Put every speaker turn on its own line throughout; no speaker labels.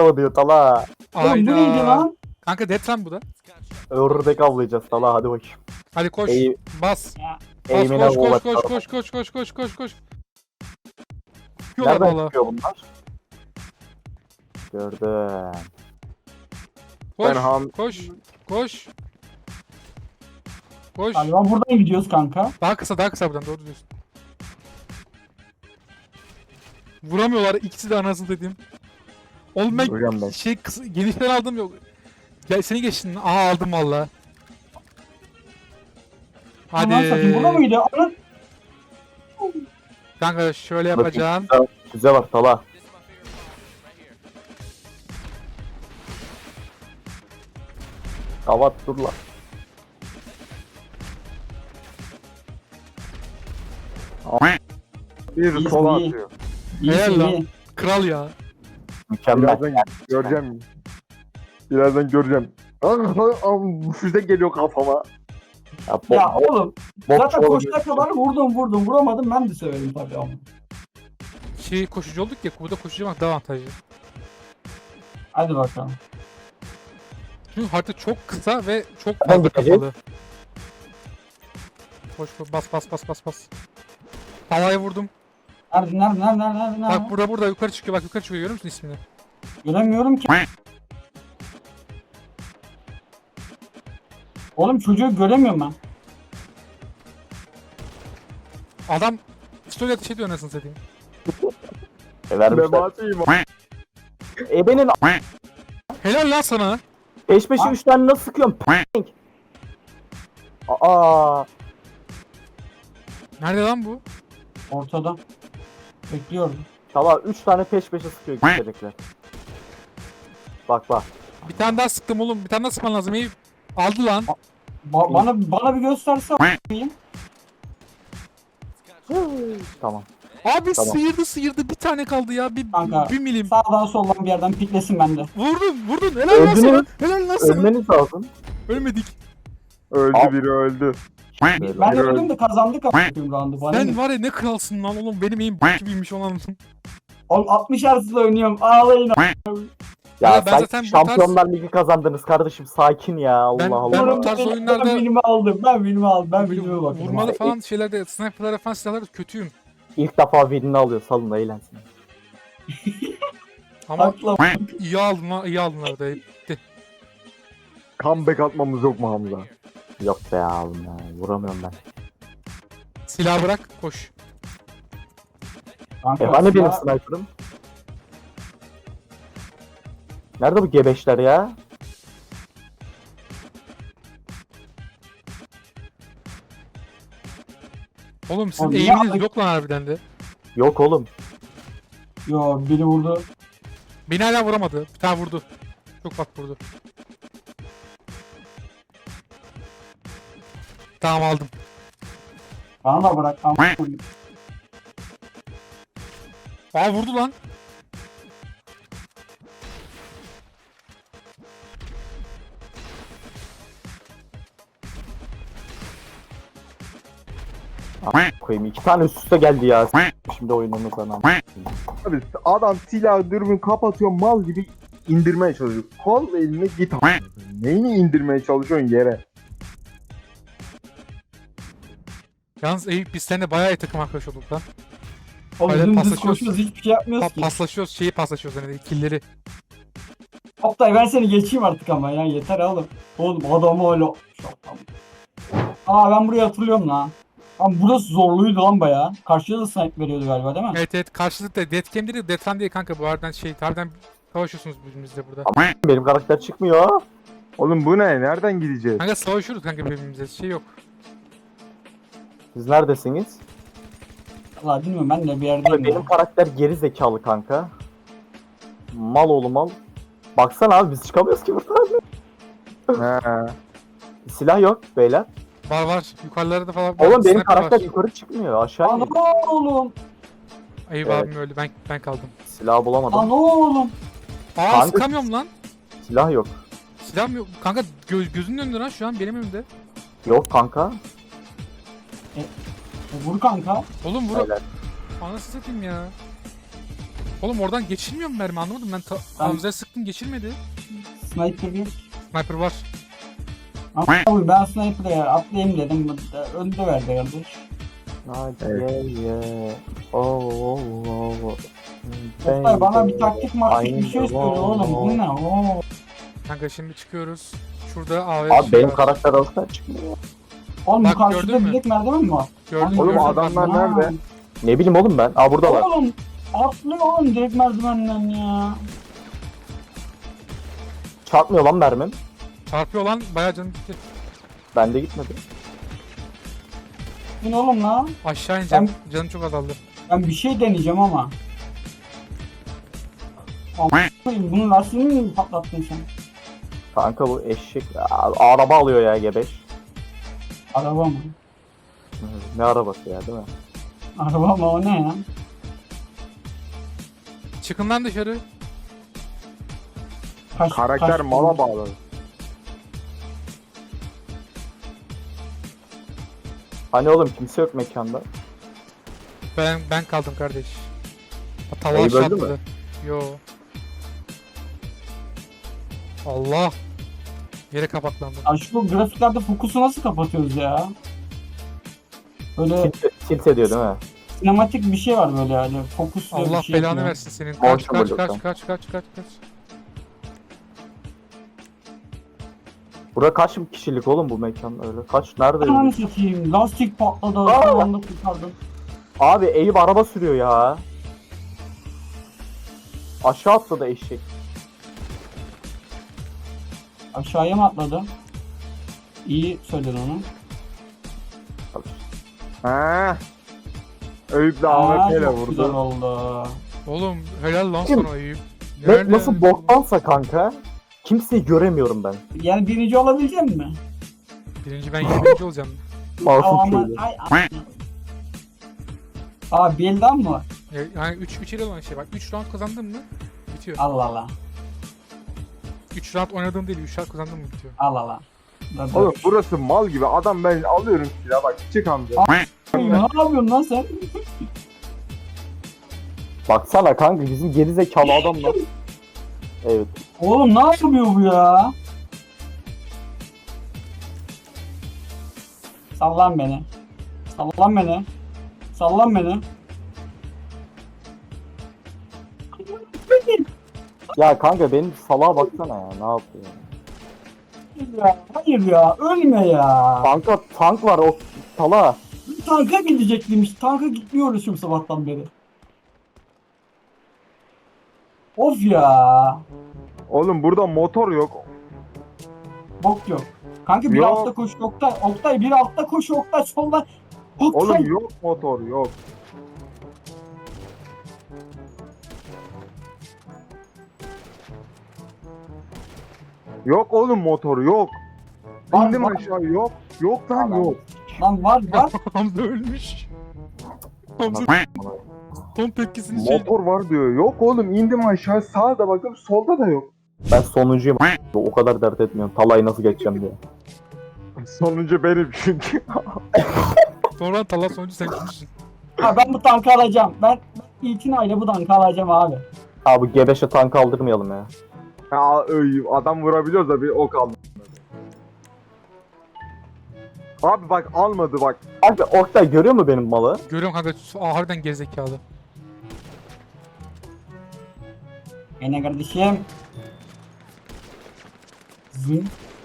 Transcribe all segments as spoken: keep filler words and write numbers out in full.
savunuyor Tala.
Oğlum bu neydi
Ayda.
lan?
Kanka detran bu da.
Ördek avlayacağız Tala, hadi bakayım.
Hadi koş.
Eğ,
Bas. Bas
eğimine
koş koş
oğlak.
koş koş koş koş koş koş koş. Yola
Nereden
valla.
çıkıyor bunlar? Gördüm.
Koş
Ben ham-
koş koş. Koş.
Galiba buradan gidiyoruz kanka.
Daha kısa daha kısa buradan doğru diyorsun. Vuramıyorlar ikisi de anasını dediğim. Oğlum ben
Hocam ben.
şey kısa, genişten aldım yok. Ya seni geçtin. Aha aldım valla. Hadi.
Aman satayım, burada mıydı? Ana...
Kanka şöyle yapacağım.
Bakın, füze var Tala. Kavat dur lan.
Bir
İyi,
sola
iyi.
atıyor.
İyi
Helal lan.
iyi.
Kral ya.
Mükemmel.
Birazdan göreceğim. Birazdan göreceğim. Ah, ah, ah, füze geliyor kafama.
Ya, bo-
Ya
bo-
oğlum
bok
zaten
çoğalı
koşuna kadar vurdum vurdum vuramadım, ben de severim tabii ama.
Şey koşucu olduk ya, burada koşucu olmak daha avantajlı.
Hadi bakalım.
Çünkü harita çok kısa ve çok
Nereden
fazla
gideceğiz?
kapalı. Koş koş bas bas bas bas bas. Havaya vurdum.
Nerede nerede nerede nerede nerede?
Bak burada burada yukarı çıkıyor, bak yukarı çıkıyor, görüyor musun ismini?
Göremiyorum ki. Oğlum çocuğu göremiyorum ben.
Adam story ateş ediyor anasını satayım.
E, vermişler.
Mebatiyim.
Ebenin
Helal lan sana.
peş peşe
Ha?
üç tane nasıl sıkıyorum? P***. Aa,
Nerede lan bu?
Ortada. Bekliyorum.
Tala üç tane peş peşe sıkıyor gidecekler. Bak bak.
Bir tane daha sıktım oğlum, bir tane daha sıkman lazım. İyi. Aldı lan.
Ba- bana bana bir gösterse a**ayım.
Tamam.
Abi
Tamam.
sıyırdı sıyırdı, bir tane kaldı ya, bir,
Kanka.
bir milim.
Sağdan soldan bir yerden piklesin bende.
Vurdun vurdun, helal lan
Öldünüz.
sana. Helal lan sana.
Ölmeniz lazım.
Ölmedik.
Öldü
Al.
biri öldü.
Böyle.
Ben de
Yürü.
öldüm de kazandık a**ayım roundu. Bana
Sen
ne?
var ya ne kralsın lan oğlum, benim eğim gibiymiş olan.
Oğlum altmış Hz'la oynuyorum. Ağlayın.
Ya
Ya ben
sen
zaten bu
Şampiyonlar Ligi kazandınız kardeşim, sakin ya, Allah
Ben-
Allah.
ben-
Oğlum,
bu tarz
ben-
oyunlarda-
Ben bilimi aldım. Ben bilimi aldım. Ben bilime bakıyorum.
Vurmalı
abi.
falan şeylerde, sniper'lara falan silahlarda kötüyüm.
İlk defa birini alıyor, salın da eğlensin.
Ama
Atla.
iyi aldın lan, iyi aldın orada.
Comeback atmamız yok mu Hamza?
Yok be oğlum ya, vuramıyorum ben.
Silah bırak, koş.
Kanka,
E hani benim
silah-
sniper'ım? Nerede bu gebeşler ya?
Oğlum sizin
Oğlum, niye
eğiminiz
aldın?
yok lan harbiden de.
Yok oğlum.
Yo, biri vurdu.
Beni hala vuramadı. Bir tane vurdu. Çok bak vurdu. Tamam aldım.
Bana da bırak. Ama-
Aa vurdu lan.
Koyayım, iki tane üst üste geldi ya. Şimdi oyunumuzdan ama.
Abi adam silah dürbün kapatıyor, mal gibi indirmeye çalışıyor. Kol eline git. Neyini indirmeye çalışıyorsun yere?
Yalnız Eyüp biz seninle bayağı iyi takım arkadaş olduk lan.
Oğlum
Öyle
dümdüz
paslaşıyoruz.
koşuyoruz, hiçbir şey yapmıyoruz
Pa-
ki.
paslaşıyoruz, şeyi paslaşıyoruz hani killleri.
Oktay ben seni geçeyim artık ama ya, yeter oğlum. Oğlum adamı öyle... Aa ben burayı hatırlıyorum lan. Ama burası zorluydu lan bayağı. Karşıya da snipe veriyordu galiba değil mi?
Evet evet, karşılıklı Deathcam değil de Deathran değil kanka, bu aradan şey harbiden savaşıyorsunuz birbirinizle burada.
Benim karakter çıkmıyor.
Oğlum bu ne? Nereden gideceğiz?
Kanka savaşıyoruz kanka birbirimize, şey yok.
Siz neredesiniz?
Valla bilmiyorum, ben de bir
Abi
yerdeyim.
benim
ya.
karakter geri zekalı kanka. Mal oğlu mal. Baksana abi, biz çıkamıyoruz ki buradan.
He.
Silah yok beyler.
Var var, yukarılarda falan.
Oğlum benim
sniper
karakter
var.
yukarı çıkmıyor, aşağı
Lan
iniyor.
oğlum.
Eyüp
Evet.
abim öldü, ben ben kaldım.
Silah bulamadım.
Lan oğlum.
Aa
Kanka-
sıkamıyorum lan.
Silah yok.
Silahım yok. Kanka göz, gözünün önünde lan şu an, benim önümde.
Yok kanka.
E, vur kanka.
Oğlum vur.
Beyler.
Anasını satayım ya. Oğlum oradan geçilmiyor mu mermi, anlamadım ben. Ta-
Ben-
Hamza'ya sıktım, geçilmedi.
Sniper yok.
Sniper var.
Abi ben sniper'e atlayayım dedim. Öldü verdi kardeş.
Hadi ye ye. Oh oh oh.
Oktay bana bir taktik maktik bir şey
Aynı
söyle oğlum. Bu ne? Oo.
Kanka şimdi çıkıyoruz. Şurada A V
Abi benim karakter arasında çıkmıyor.
Oğlum bu
Bak,
karşıda
gördün mü?
bilek merdiven mi var?
Gördün
Oğlum
gördün.
adamlar
Ha.
nerede?
Ne bileyim oğlum ben. Aa buradalar.
Oğlum atlıyor oğlum direkt merdivenden ya.
Çarpmıyor lan mermim.
Çarpıyor lan, bayağı canım gitti.
Bende gitmedi.
Bu ne oğlum lan?
Aşağı ineceğim. Canım çok azaldı.
Ben bir şey deneyeceğim ama. Aman bunun lastiğini mi patlattın sen?
Kanka bu eşek. Aa, araba alıyor ya G beş.
Araba mı?
Hı, Ne arabası ya değil mi?
Araba mı o ne ya?
Çıkın lan dışarı.
Kaç,
Karakter
kaç-
mala bağlı.
Hani oğlum kimse yok mekanda.
Ben ben kaldım kardeş. Tava
Ayıp
aşağı
öldü mü?
atladı. Yo. Allah. Yere kapaklandım.
Ya şu grafiklerde fokusu nasıl kapatıyoruz ya? Böyle
Tilt, tilt ediyor değil mi?
sinematik bir şey var böyle yani. Fokus diye
Allah
bir şey
belanı
yapıyor.
versin senin. Kaç
Motion
kaç
blur
kaç
sen.
kaç kaç kaç kaç.
Burada kaç kişilik oğlum bu mekan öyle? Kaç nerede?
Ananı satayım. Lastik patladı.
Aa!
Son anda kurtardım.
Abi Eyüp araba sürüyor ya. Aşağı atladı eşek.
Aşağıya mı atladı? İyi söyledin onu.
Ha. Eyüp de
Aa,
A W P ile
çok güzel
vurdu.
oldu.
Oğlum helal lan
Kim?
sana Eyüp.
Ne,
Nerede?
nasıl boktansa kanka. Kimseyi göremiyorum ben.
Yani birinci olabilecek mi?
Birinci ben yirminci olacağım.
Masum
Ama
şöyle.
ay ay. Aa bir elden mi var?
Ya- Yani üç üç ile olan şey bak. üç round kazandın mı bitiyor.
Allah Allah.
üç round oynadığın değil, üç round kazandın mı bitiyor.
Allah Allah. Dur, dur.
Oğlum burası mal gibi. Adam ben alıyorum silah bak çık amca.
Ne yapıyorsun lan sen?
Baksana kanka bizim geri zekalı adamlar. Evet.
Oğlum ne yapıyor bu ya? Sallan beni. Sallan beni. Sallan beni.
Ya kanka benim salağa baksana ya ne yapıyor?
Hayır ya, hayır ya, ölme ya.
Kanka tank var o salağa.
Tanka gidecekliymiş. Tanka gitmiyoruz şimdi sabahtan beri. Of ya.
Oğlum burada motor yok.
Bok yok. Kanka bir
Yok.
altta koş Oktay. Oktay bir altta koş Oktay solda. Oktay.
Oğlum yok motor yok. Yok oğlum motor yok.
Var,
İndim
var.
aşağı yok. Yok lan
Adam.
yok.
Lan var var.
Hamza ölmüş. Hamza son tepkisini şey...
Motor var diyor. Yok oğlum indim aşağı sağda bakıyorum solda da yok.
Ben sonuncuyum. O kadar dert etmiyorum. Talayı nasıl geçeceğim diye.
Sonuncu benim çünkü.
Sonra Talha sonucu sen kimsin?
Ha, ben bu tankı alacağım. Ben, ben itinayla bu tankı alacağım abi.
Abi bu G beşe tank aldırmayalım ya.
Ya öy, adam vurabiliyoruz da bir ok aldı. Abi bak almadı bak.
Abi Oktay görüyor mu benim malı?
Görüyorum kanka. Aa, harbiden gerizekalı.
Yine kardeşim. Zın.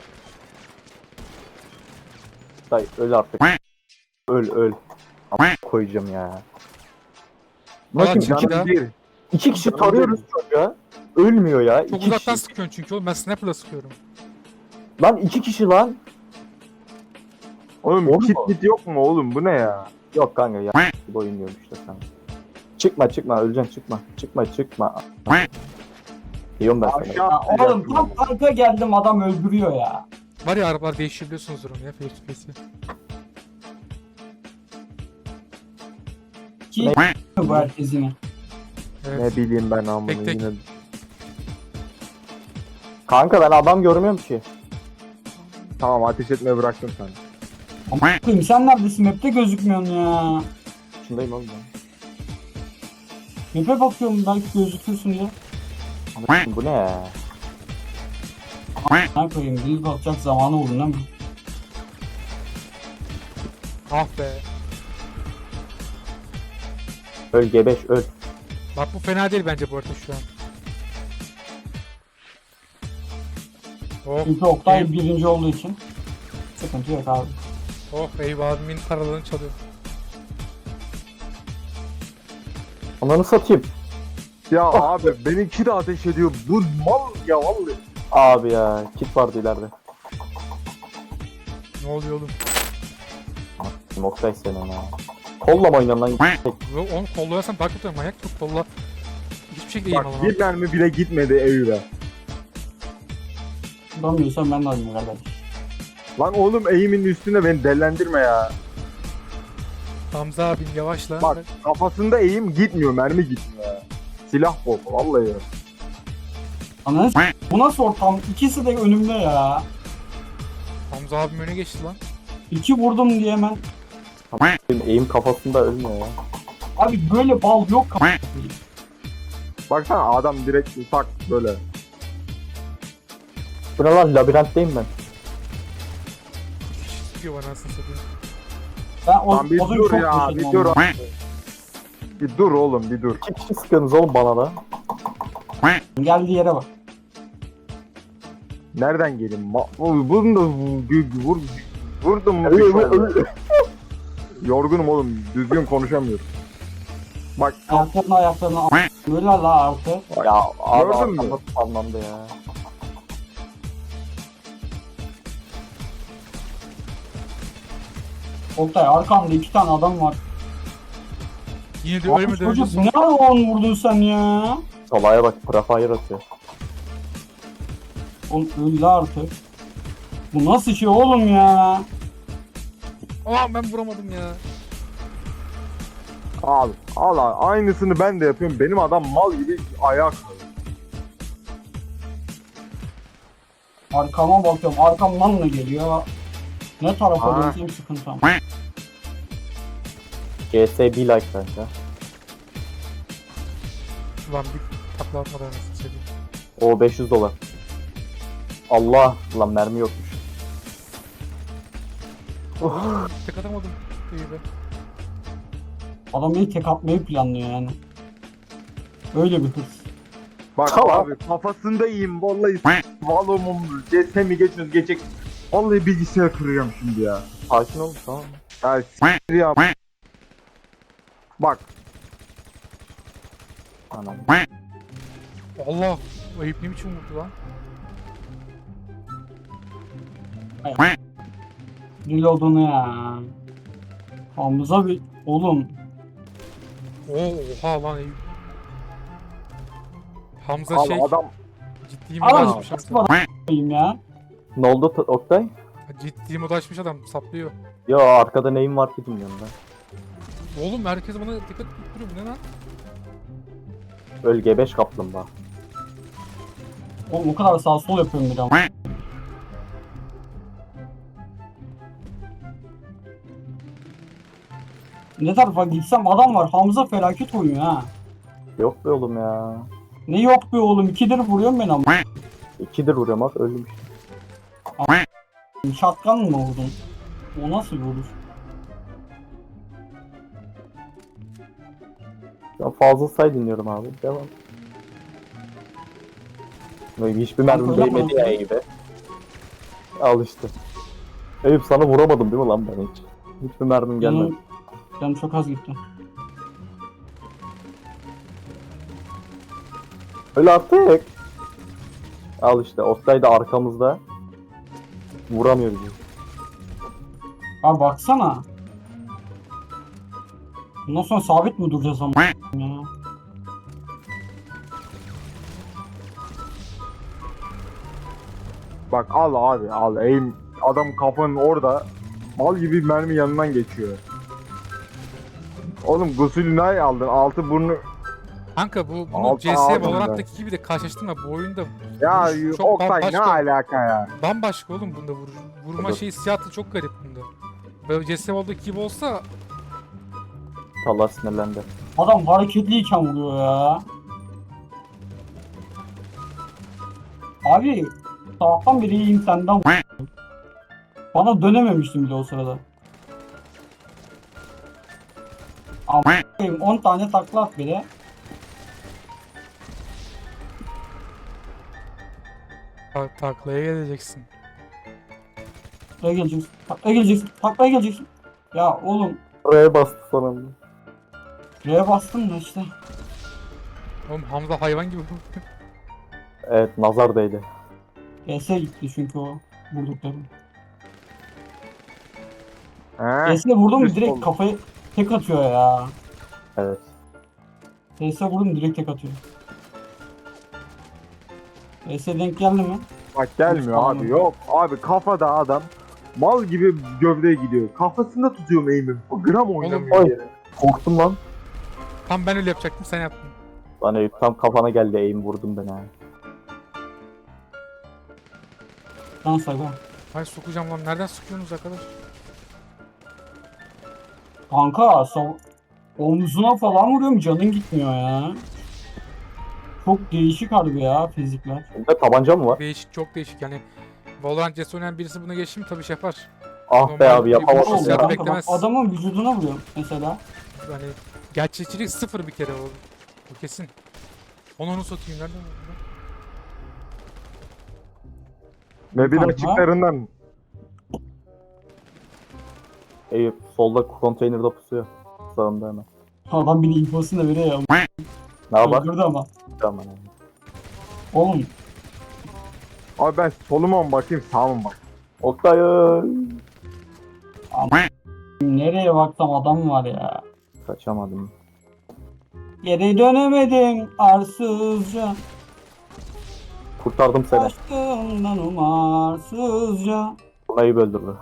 Oktay öl artık. Öl öl. Ama koyacağım ya.
Valla
Bakın
çıktı
iki,
da.
Bir.
iki kişi tarıyoruz çocuğa. Ölmüyor ya.
Çok
iki
uzaktan
kişi.
sıkıyorsun çünkü oğlum, ben sniper'la sıkıyorum.
Lan iki kişi lan.
Oğlum
Oğlum
kit
mu?
kit yok mu oğlum bu ne ya?
Yok kanka ya. Bu oyun diyorum işte sen. Çıkma çıkma öleceksin çıkma. Çıkma çıkma. Diyorum ben sana.
Aşağı.
Ya oğlum tam tanka geldim adam öldürüyor ya.
Var ya arabalar değiştirebiliyorsunuz onu ya face to face'i.
Ki bu herkesini.
Evet.
Ne bileyim ben amına
Tek tek.
yine.
Kanka ben adam görmüyorum ki.
Tamam ateş etmeyi bıraktım sana.
Bakayım sen neredesin? Map'te gözükmüyorsun ya.
Şundayım oğlum ben.
Map'e bakıyorum belki gözükürsün diye.
Bu ne ya?
Ne koyayım? Build atacak zamanı oldu değil mi?
Ah be.
Öl gebeş öl.
Bak bu fena değil bence bu arada şu an. Oh,
Çünkü Oktay
ey-
birinci olduğu için sıkıntı yok abi.
oh eyvah abimin paralarını çalıyor.
Ananı satayım.
Ya abi benimki de ateş ediyor. Bu mal ya vallahi.
Abi ya kit vardı ileride.
Ne oluyor oğlum?
Oktay senin ha. Kolla mı oynan lan?
Yo, onu kollayarsan daha kötü manyak yok kolla. Hiçbir şekilde
Bak
eğim alamam.
bir mermi bile gitmedi Eyüp'e.
Bulamıyorsan ben de alayım kardeş.
Lan oğlum eğimin üstüne beni dellendirme ya.
Hamza abim yavaşla.
Bak kafasında eğim gitmiyor, mermi gitmiyor ya. Silah bol vallahi ya.
Ananı s- bu nasıl ortam? İkisi de önümde ya.
Hamza abim öne geçti lan.
İki vurdum diye hemen.
Benim eğim kafasında ölmüyor ya.
Abi böyle bal yok.
Baksana adam direkt tak böyle.
Bu ne lan labirentteyim ben.
Kişi sıkıyor bana nasıl satayım.
Ben o,
Lan bir
o zaman
dur
çok
ya,
yaşadım
bir
onu.
dur. Bir dur oğlum bir dur.
İki kişi sıkıyorsunuz oğlum bana da.
Geldiği yere bak.
Nereden geleyim? Ma bunu da vur, vur, vurdum mu?
Öl,
düşman
öl,
ya.
öl.
Yorgunum oğlum, düzgün konuşamıyorum. Bak
Ayaklarına ayaklarına a- böyle la artı.
Ya abi
Gördün mü?
arkamda anlamda ya.
Oktay arkamda iki tane adam var.
Yine de
Abi
ölmeden önce
çocuk ne on vurdun sen ya?
Salaya bak prefire atıyor.
Oğlum öldü artık. Bu nasıl şey oğlum ya?
Aa ben vuramadım ya.
al, al al. Aynısını ben de yapıyorum. Benim adam mal gibi ayağa kalıyor.
Arkama bakıyorum. Arkamdan da geliyor. Ne tarafa
Aa.
döneyim sıkıntı ama.
C S bir like kanka.
Ulan bir takla atmadan nasıl söyleyeyim.
O beş yüz dolar. Allah lan mermi yokmuş.
Tek atamadım. İyi be.
Adam beni tek atmayı planlıyor yani. Öyle bir hırs.
Bak
Tamam.
abi kafasında iyiyim vallahi. Valomum, C S mi geçiyoruz geçecek. Vallahi bilgisayar kıracağım şimdi ya.
Sakin ol tamam.
Ya s**t ya. Bak
Anam.
Allah. O herif ne biçim vurdu lan?
Reload'unu ya. Hamza bir... Oğlum.
Oo, oha lan Eyüp. Hamza
al
şey
adam
ciddi
Adam
mod açmış
nasıl
Hamza.
koyayım ya?
Ne oldu T- Oktay?
Ciddi mod açmış adam saplıyor.
Yo arkada neyim var ki bilmiyorum ben.
Oğlum herkes bana dikkat edip duruyor bu ne lan?
Öl gebeş kaplumbağa.
Oğlum o kadar sağ sol yapıyorum bir ama. Ne tarafa gitsem adam var. Hamza felaket oynuyor ha.
Yok be oğlum ya.
Ne yok be oğlum. İkidir vuruyorum ben ama.
İkidir vuruyorum bak öldüm işte.
Şatkan mı vurdun? O nasıl bir vuruş?
Ben fazla say dinliyorum abi. Devam. Böyle hiçbir mermi
Kanka, öyle
değmedi
mi?
ya Eyüp'e. Al işte. Eyüp sana vuramadım değil mi lan ben hiç? Hiçbir mermim gelmedi.
Canım, canım çok az gitti.
Öyle attık. Al işte Oktay da arkamızda. Vuramıyor bizi.
Abi baksana. Bundan sonra sabit mi duracağız ama ya?
bak al abi al aim adam kafanın orada mal gibi mermi yanından geçiyor. Oğlum gusülünü ay aldın altı burnu
Kanka bu bunu
Altı
C S
aldım
Valorant'taki gibi de karşılaştırma bu oyunda
ya
vuruş çok
Oktay ne
bambaşka.
alaka ya.
Bambaşka oğlum bunda vur, vurma
Tabii.
şeyi hissiyatı çok garip bunda. Böyle C S Valorant'taki gibi olsa
Allah sinirlendi.
Adam hareketliyken vuruyor ya. Abi sabahtan beri iyiyim senden vuruyor. Bana dönememiştim bile o sırada. Ama on tane takla at bile.
Ta- taklaya geleceksin.
Taklaya geleceksin. Taklaya geleceksin. Taklaya geleceksin. Ya oğlum
Buraya bastı sonunda.
R'ye bastım da işte.
Oğlum Hamza hayvan gibi.
Evet nazar değdi.
E S gitti çünkü o vurduklarım.
He.
E S'e vurdum mu
Üst
direkt
oldu.
kafayı tek atıyor ya.
Evet.
E S'e vurdum direkt tek atıyor. E S denk geldi mi?
Bak gelmiyor
Tamam.
abi yok. Abi kafada adam mal gibi gövdeye gidiyor. Kafasında tutuyorum eğimi. O gram oynamıyor.
Oy.
yere.
Korktum lan.
Tam ben öyle yapacaktım sen yaptın.
Lan Eyüp tam kafana geldi eğim vurdum ben ha.
Lan saga.
Ay sokacağım lan nereden sıkıyorsunuz arkadaş?
Kanka sav- omzuna falan vuruyorum canın gitmiyor ya. Çok değişik harbi ya fizikler.
Bunda tabanca mı var?
Değişik çok değişik yani. Valorant C S oynayan birisi buna geçti mi tabii şey yapar.
Ah be
Normal
abi
bir
yapamadım
vuruş
ya.
yapmak-
Kanka, bak,
beklemez.
adamın vücuduna vuruyorum mesela.
Yani gerçekçilik sıfır bir kere o. O kesin. Onu onu satayım nereden oldu?
Map'in
Kanka.
açıklarından.
Eyüp solda konteynerde pusuyor. Sağında hemen.
Adam bir infosunu da veriyor ya.
Ne yapar?
Öldürdü ama.
Tamam.
Oğlum
Abi ben soluma mı bakayım sağa mı bakayım?
Oktay.
nereye baksam adam var ya.
Kaçamadım.
Geri dönemedim arsızca.
Kurtardım seni.
Aşkından umarsızca.
Buna Eyüp öldürdü.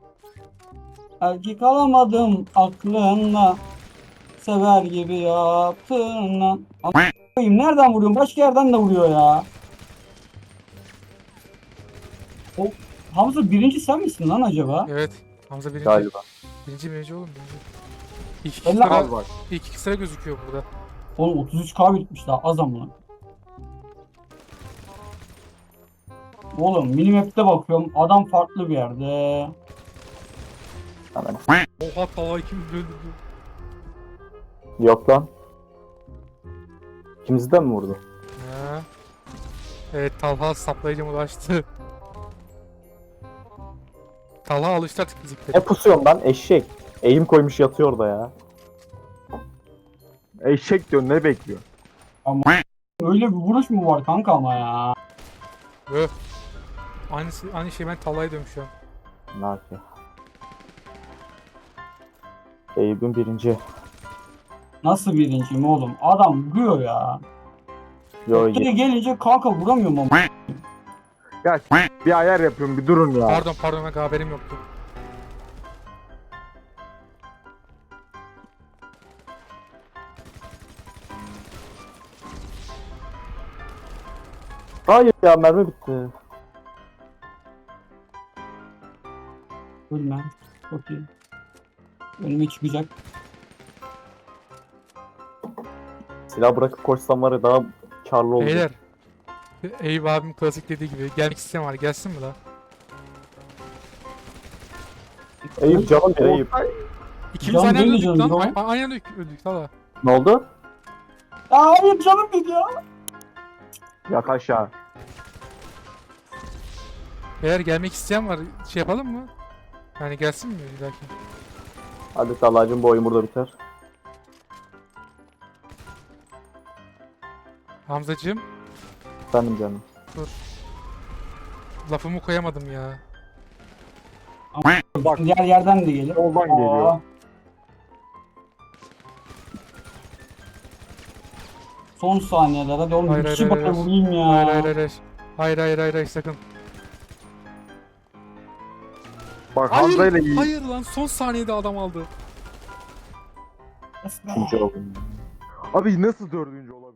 Erkek alamadım aklınla. Sever gibi yaptığınla. A**ayım nereden vuruyorum? Başka yerden de vuruyor ya. O Hamza birinci sen misin lan acaba?
Evet. Hamza birinci.
Galiba.
Birinci birinci oğlum birinci. İlk iki
Elle
sıra,
Az bak.
ilk iki sıra gözüküyor burada.
Oğlum otuz üç K bitmiş daha az ama. Oğlum minimap'te bakıyorum adam farklı bir yerde.
Hemen.
Oha tava kim öldürdü?
Yok lan. İkimizi de mi vurdu?
Ya. Evet Talha saplayıcı ulaştı. Talha alıştı artık fiziklere.
Ne pusuyorsun lan eşek? Eğim koymuş yatıyor orada ya.
Eşek diyor ne bekliyor?
Öyle bir vuruş mu var kanka ama ya?
Öh. Aynısı, aynı şey ben Talha'ya diyorum şu an.
Ne yapıyor? Eyüp'ün birinci.
Nasıl birinciyim oğlum? Adam vuruyor ya.
Yo
Geri gelince kanka vuramıyorum ama.
Ya bir ayar yapıyorum bir durun ya.
Pardon pardon ben haberim yoktu.
Hayır ya mermi bitti.
Ölmem. Çok iyi. Önüme çıkacak.
Silah bırakıp koşsam var ya daha karlı olacak.
Beyler. Eyüp abim klasik dediği gibi gelmek isteyen var gelsin mi la?
Eyüp canım bir Eyüp.
İkimiz
Can
aynı anda
değil mi
öldük
canım,
lan.
canım?
A- Aynı anda öldük Talha.
Ne oldu?
Aa, hayır canım dedi ya.
Yat aşağı.
Beyler gelmek isteyen var şey yapalım mı? Yani gelsin mi bir dahaki?
Hadi Talha'cığım bu oyun burada biter.
Hamzacığım
Efendim canım.
lafımı koyamadım ya.
Bak
Diğer yerden de gelir.
Soldan geliyor.
Aa. Son saniyeler hadi oğlum
Hayır,
bir
hayır,
kişi
hayır,
bana
hayır.
vurayım ya.
Hayır hayır hayır hayır. Hayır hayır hayır hayır sakın.
bak Hamza ile
Hayır,
iyi.
hayır lan son saniyede adam aldı.
İkinci oldum.
Abi nasıl dördüncü olabilir?